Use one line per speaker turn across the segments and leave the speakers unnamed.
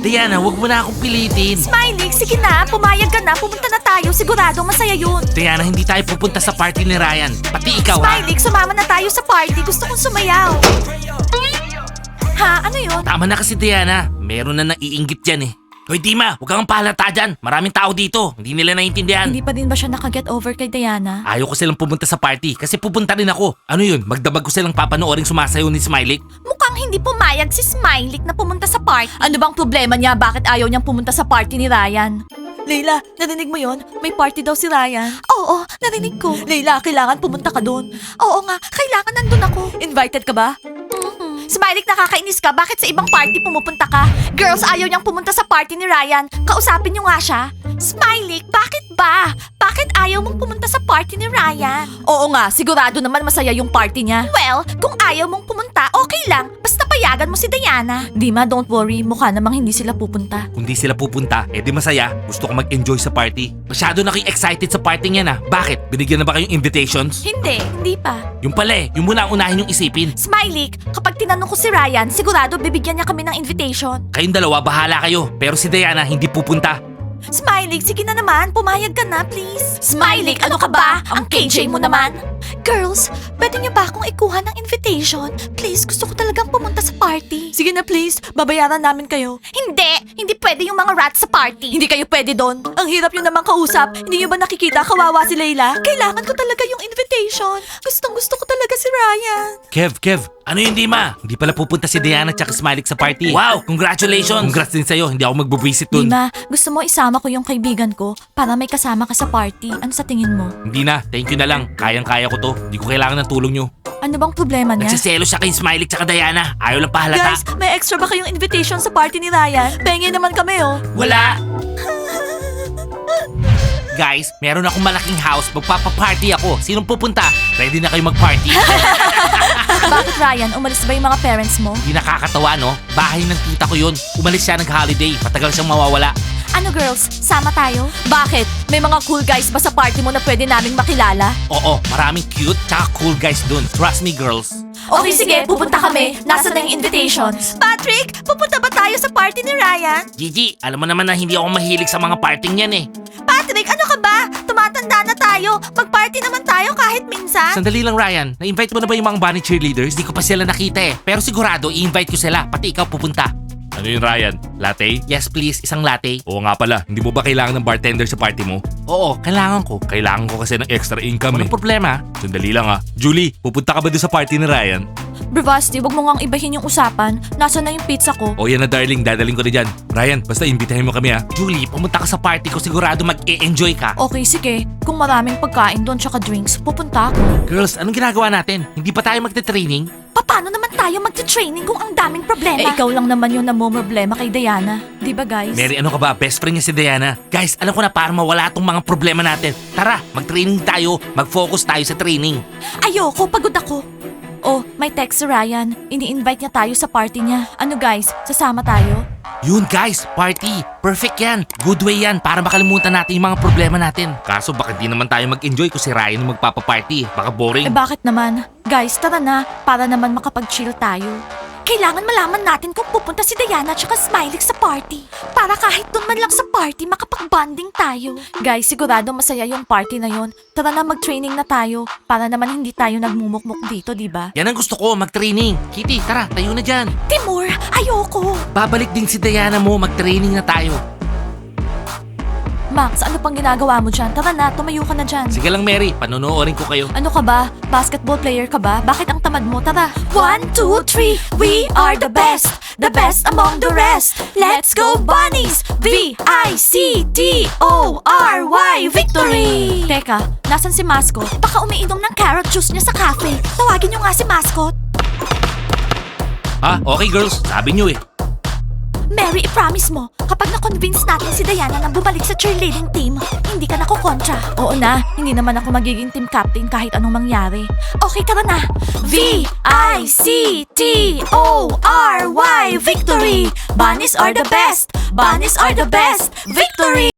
Diana, wag mo na akong pilitin.
Smiley, sige na, pumayag ka na, pumunta na tayo, sigurado masaya yun.
Diana, hindi tayo pupunta sa party ni Ryan. Pati ikaw, ha?
Smiley, sumama na tayo sa party, gusto kong sumayaw. Ha, ano yun?
Tama na kasi, Diana. Meron na naiinggit dyan eh. Hoy, Dima, huwag kang pahalata dyan. Maraming tao dito. Hindi nila naiintindihan.
Hindi pa din ba siya nakaget over kay Diana?
Ayaw ko silang pumunta sa party kasi pupunta rin ako. Ano yun? Magdamag ko silang papanooring sumasayaw ni Smiley?
Mukhang hindi pumayag si Smiley na pumunta sa party. Ano bang problema niya? Bakit ayaw niyang pumunta sa party ni Ryan? Leila, narinig mo yon? May party daw si Ryan. Oo, narinig ko. Leila, kailangan pumunta ka doon. Oo nga, kailangan nandun ako. Invited ka ba? Smiley, nakakainis ka. Bakit sa ibang party pumupunta ka? Girls, ayaw niyang pumunta sa party ni Ryan. Kausapin niyo nga siya. Smiley, bakit ba? Bakit ayaw mong pumunta sa party ni Ryan? Oo nga, sigurado naman masaya yung party niya. Well, kung ayaw mong pumunta, okay lang. Basta payagan mo si Diana. Dima, don't worry. Mukha namang hindi sila pupunta.
Kung di sila pupunta, di masaya. Gusto ko mag-enjoy sa party. Masyado na kayo excited sa party niya na. Bakit? Binigyan na ba kayong invitations?
Hindi pa.
Yung pala yung muna ang unahin yung isipin.
Smiley, kapag tinanong ko si Ryan, sigurado bibigyan niya kami ng invitation.
Kayong dalawa, bahala kayo. Pero si Diana, hindi pupunta.
Smiley, sige na naman. Pumayag ka na, please. Smiley, ano ka ba? Ang KJ mo naman. Girls, pwede niyo ba akong ikuha ng invitation? Please, gusto ko talagang pumunta sa party. Sige na please, babayaran namin kayo. Hindi pwede yung mga rats sa party. Hindi kayo pwede doon. Ang hirap yun naman kausap. Hindi niyo ba nakikita kawawa si Layla? Kailangan ko talaga yung invitation. Gustong gusto ko talaga si Ryan.
Kev, ano yun, Dima? Hindi pala pupunta si Diana at Smiley sa party. Wow, congratulations! Congrats din sa'yo, hindi ako magbubisit dun.
Dima, gusto mo isama ko yung kaibigan ko para may kasama ka sa party. Ano sa tingin mo?
Hindi na, thank you na lang. Kayang-kaya ko to. Hindi ko kailangan ng tulong nyo.
Ano bang problema niya?
Nagsiselo siya kay Smiley at Diana. Ayaw lang pahalata.
Guys, may extra ba kayong invitation sa party ni Ryan? Pengen naman kami oh.
Wala! Guys, meron akong malaking house. Magpapaparty ako. Sinong pupunta? Ready na kayo mag-party?
Bakit Ryan? Umalis ba yung mga parents mo?
Hindi nakakatawa, no? Bahay ng tita ko yun. Umalis siya nag-holiday. Matagal siyang mawawala.
Ano girls, sama tayo? Bakit? May mga cool guys ba sa party mo na pwede naming makilala?
Oo, maraming cute tsaka cool guys dun. Trust me, girls.
Okay, sige, pupunta kami. Nasaan na yung invitations? Patrick, pupunta ba tayo sa party ni Ryan?
Gigi, alam mo naman na hindi ako mahilig sa mga parting yan eh.
Patrick, ano ka ba? Tumatanda na tayo. Mag-party naman tayo kahit minsan.
Sandali lang, Ryan. Na-invite mo na ba yung mga bunny cheerleaders? Di ko pa sila nakita eh. Pero sigurado, i-invite ko sila. Pati ikaw pupunta. Ano yun, Ryan? Latte? Yes, please. Isang latte. Oo nga pala. Hindi mo ba kailangan ng bartender sa party mo? Oo, kailangan ko. Kailangan ko kasi ng extra income eh. Walang problema. Sandali lang ah. Julie, pupunta ka ba doon sa party ni Ryan?
Bravasti, wag mo ngang ibahin yung usapan. Nasaan na yung pizza ko?
O yan na darling, dadaling ko na dyan. Ryan, basta imbitahin mo kami ha. Julie, pumunta ka sa party ko. Sigurado mag-e-enjoy ka.
Okay, sige. Kung maraming pagkain doon tsaka drinks, pupunta ako.
Girls, anong ginagawa natin? Hindi pa tayo magte-training?
Paano naman tayo magte-training kung ang daming problema? Eh, ikaw lang naman yung namomroblema kay Diana. Di ba, guys?
Mary, ano ka ba? Best friend niya si Diana. Guys, alam ko na para mawala tong mga problema natin. Tara, mag-training tayo. Mag-focus tayo sa training.
Ayoko, pagod ako. Oh, may text si Ryan. Ini-invite niya tayo sa party niya. Ano guys, sasama tayo?
Yun guys, party. Perfect yan. Good way yan para makalimutan natin yung mga problema natin. Kaso baka di naman tayo mag-enjoy kung si Ryan yung magpapaparty. Baka boring.
Eh bakit naman? Guys, tara na. Para naman makapag-chill tayo. Kailangan malaman natin kung pupunta si Diana at Smiley sa party. Para kahit doon man lang sa party, makapag-bonding tayo. Guys, sigurado masaya yung party na yon. Tara na mag-training na tayo. Para naman hindi tayo nagmumukmuk dito, di ba?
Yan ang gusto ko, mag-training. Kitty, tara, tayo na dyan.
Timur, ayoko.
Babalik din si Diana mo, mag-training na tayo.
Max, ano pang ginagawa mo dyan? Tara na, tumayo ka na dyan.
Sige lang Mary, panonoorin ko kayo.
Ano ka ba? Basketball player ka ba? Bakit ang tamad mo? Tara. 1, 2, 3, we are the best. The best among the rest. Let's go bunnies! V-I-C-T-O-R-Y Victory! Teka, nasan si Mascot? Baka umiinom ng carrot juice niya sa cafe. Tawagin niyo nga si Mascot.
Ha? Okay girls, sabi nyo eh.
Mary, i-promise mo, kapag na-convince natin si Diana na bumalik sa cheerleading team, hindi ka nakukontra. Oo na, hindi naman ako magiging team captain kahit anong mangyari. Okay, tara na. V-I-C-T-O-R-Y Victory! Bunnies are the best! Bunnies are the best! Victory!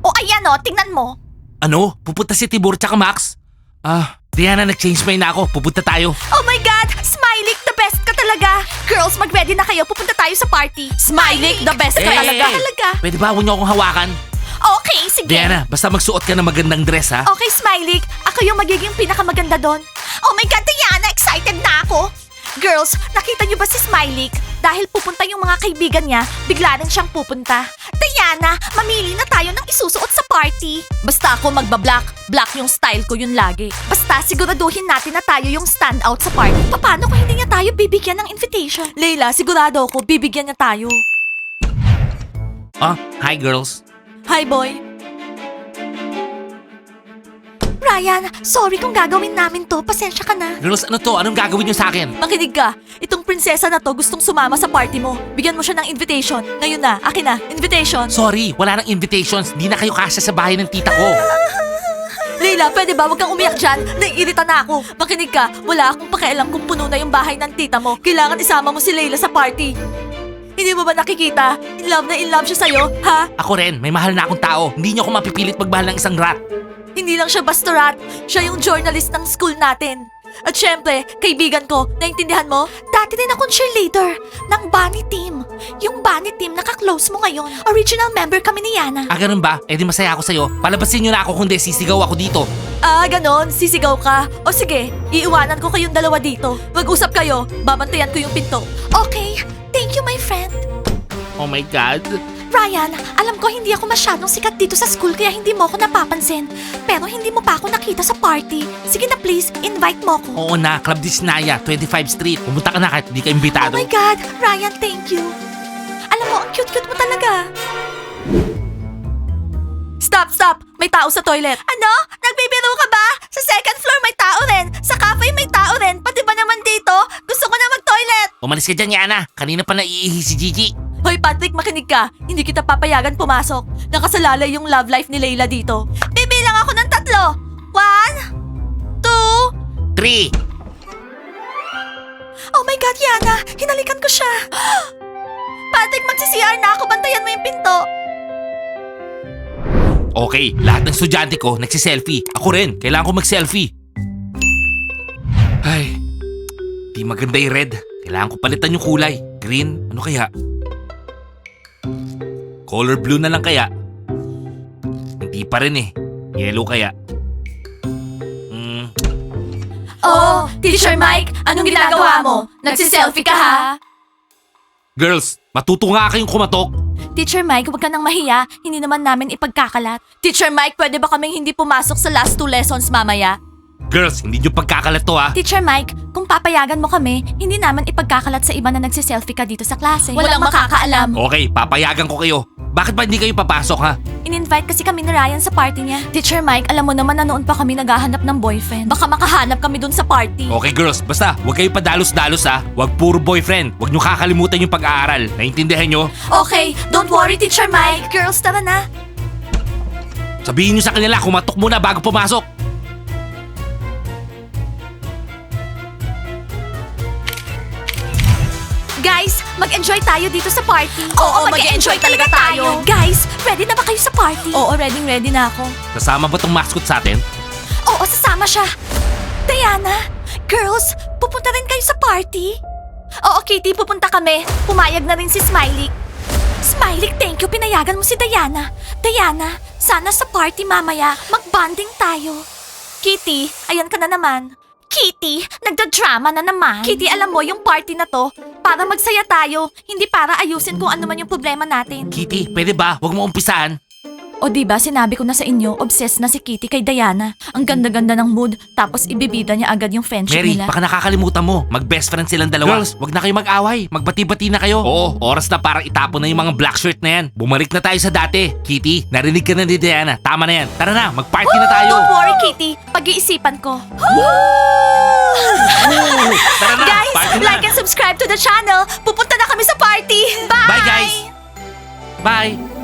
O ayan o, tingnan mo.
Ano? Pupunta si Tibor tsaka Max? Diana, nag-change mind na ako. Pupunta tayo.
Oh my God! Smiley, the best ka talaga! Girls, mag-ready na kayo. Pupunta tayo sa party. Smiley, the best ka talaga. Talaga.
Pwede ba huwag niyo akong hawakan?
Okay, sige.
Diana, basta magsuot ka ng magandang dress, ha?
Okay, Smiley. Ako yung magiging pinakamaganda doon. Oh my God, Diana! Excited na ako! Girls, nakita niyo ba si Smiley? Dahil pupunta yung mga kaibigan niya, bigla rin siyang pupunta. Diana, mamili na tayo ng isusuot sa party. Basta ako magba-black. Black yung style ko yun lagi. Basta siguraduhin natin na tayo yung standout sa party. Paano kung hindi niya tayo bibigyan ng invitation? Leila, sigurado ako bibigyan niya tayo.
Hi girls.
Hi, boy. Ryan, sorry kung gagawin namin to. Pasensya ka na.
Girls, ano to? Anong gagawin niyo sa akin?
Makinig ka. Itong prinsesa na to gustong sumama sa party mo. Bigyan mo siya ng invitation. Ngayon na, akin na, invitation.
Sorry, wala nang invitations. Di na kayo kasya sa bahay ng tita ko.
Leila, pwede ba? Huwag kang umiyak dyan. Naiirita na ako. Makinig ka. Wala akong pakialam kung puno na yung bahay ng tita mo. Kailangan isama mo si Leila sa party. Hindi mo ba nakikita? In love siya sa'yo, ha?
Ako rin, may mahal na akong tao. Hindi niyo ako mapipilit magmahal ng isang rat.
Hindi lang siya basta rat. Siya yung journalist ng school natin. At syempre, kaibigan ko, naintindihan mo? Dati din akong cheerleader ng Bunny Team. Yung Bunny Team naka-close mo ngayon. Original member kami ni Yana.
Ganun ba? Eh di masaya ako sa'yo. Palabasin niyo na ako kundi sisigaw ako dito.
Ganon. Sisigaw ka. O sige, iiwanan ko kayong dalawa dito. Mag-usap kayo. Babantayan ko yung pinto. Okay. Thank you, my friend.
Oh my God.
Ryan, alam ko hindi ako masyadong sikat dito sa school kaya hindi mo ako napapansin. Pero hindi mo pa ako nakita sa party. Sige na please, invite mo ko.
Oo na, Club Disnaya, 25 Street. Pumunta ka na kahit hindi ka
Oh
imbitado.
my God, Ryan, thank you. Alam mo, ang cute-cute mo talaga. Stop! May tao sa toilet. Ano? Nagbibiro ka ba? Sa second floor may tao rin. Sa cafe may tao rin. Pati ba naman dito? Gusto ko na mag-toilet.
Umalis ka dyan, Yana. Kanina pa naiihi si Gigi.
Hoy Patrick, makinig ka. Hindi kita papayagan pumasok. Nakasalalay yung love life ni Layla dito. Bibilang ako ng 3. 1, 2.
3.
Oh my God, Yana! Hinalikan ko siya! Patrick, magsi-CR na ako. Bantayan mo yung pinto.
Okay, lahat ng estudyante ko nagsiselfie. Ako rin, kailangan ko mag-selfie. Ay, di maganda yung red. Kailangan ko palitan yung kulay. Green, ano kaya? Color blue na lang kaya? Hindi pa rin eh. Yellow kaya?
Oh, Teacher Mike, anong ginagawa mo? Nagsiselfie ka ha?
Girls, matuto nga kayong kumatok.
Teacher Mike, huwag ka nang mahiya. Hindi naman namin ipagkakalat. Teacher Mike, pwede ba kaming hindi pumasok sa last 2 lessons mamaya?
Girls, hindi nyo pagkakalat to ha.
Teacher Mike, kung papayagan mo kami, hindi naman ipagkakalat sa iba na nagsiselfie ka dito sa klase. Walang makakaalam.
Okay, papayagan ko kayo. Bakit ba hindi kayo papasok ha?
In-invite kasi kami ni Ryan sa party niya. Teacher Mike, alam mo naman na noon pa kami naghahanap ng boyfriend. Baka makahanap kami dun sa party.
Okay girls, basta huwag kayo padalos-dalos ha. Huwag puro boyfriend. Huwag nyo kakalimutan yung pag-aaral. Naintindihan nyo?
Okay, don't worry, Teacher Mike. Girls, tara na.
Sabihin nyo sa kanila, kumatok muna bago pumasok.
Guys, mag-enjoy tayo dito sa party. Oo, mag-enjoy talaga tayo. Guys, ready na ba kayo sa party? Oo, ready na ako.
Kasama ba tong mascot sa atin?
Oo, sasama siya. Diana, girls, pupunta rin kayo sa party? Oo, Kitty, pupunta kami. Pumayag na rin si Smiley. Smiley, thank you. Pinayagan mo si Diana. Diana, sana sa party mamaya, mag-bonding tayo. Kitty, ayan ka na naman. Kitty, nagda-drama na naman. Kitty, alam mo, yung party na to, para magsaya tayo, hindi para ayusin kung ano man yung problema natin.
Kitty, pwede ba? Huwag mo umpisahan.
O diba, sinabi ko na sa inyo, obsessed na si Kitty kay Diana. Ang ganda-ganda ng mood, tapos ibibida niya agad yung friendship
Mary,
nila.
baka nakakalimutan mo. Mag-best friend silang dalawa. Girls, wag na kayo mag-away. Magbati-bati na kayo. Oo, oras na para itapon na yung mga black shirt na yan. Bumalik na tayo sa dati. Kitty, narinig ka na ni Diana. Tama na yan. Tara na, mag-party na tayo.
Don't worry, Kitty. Pag-iisipan ko.
Tara na,
Guys,
party na.
like and subscribe to the channel. Pupunta na kami sa party. Bye!
Bye guys. Bye.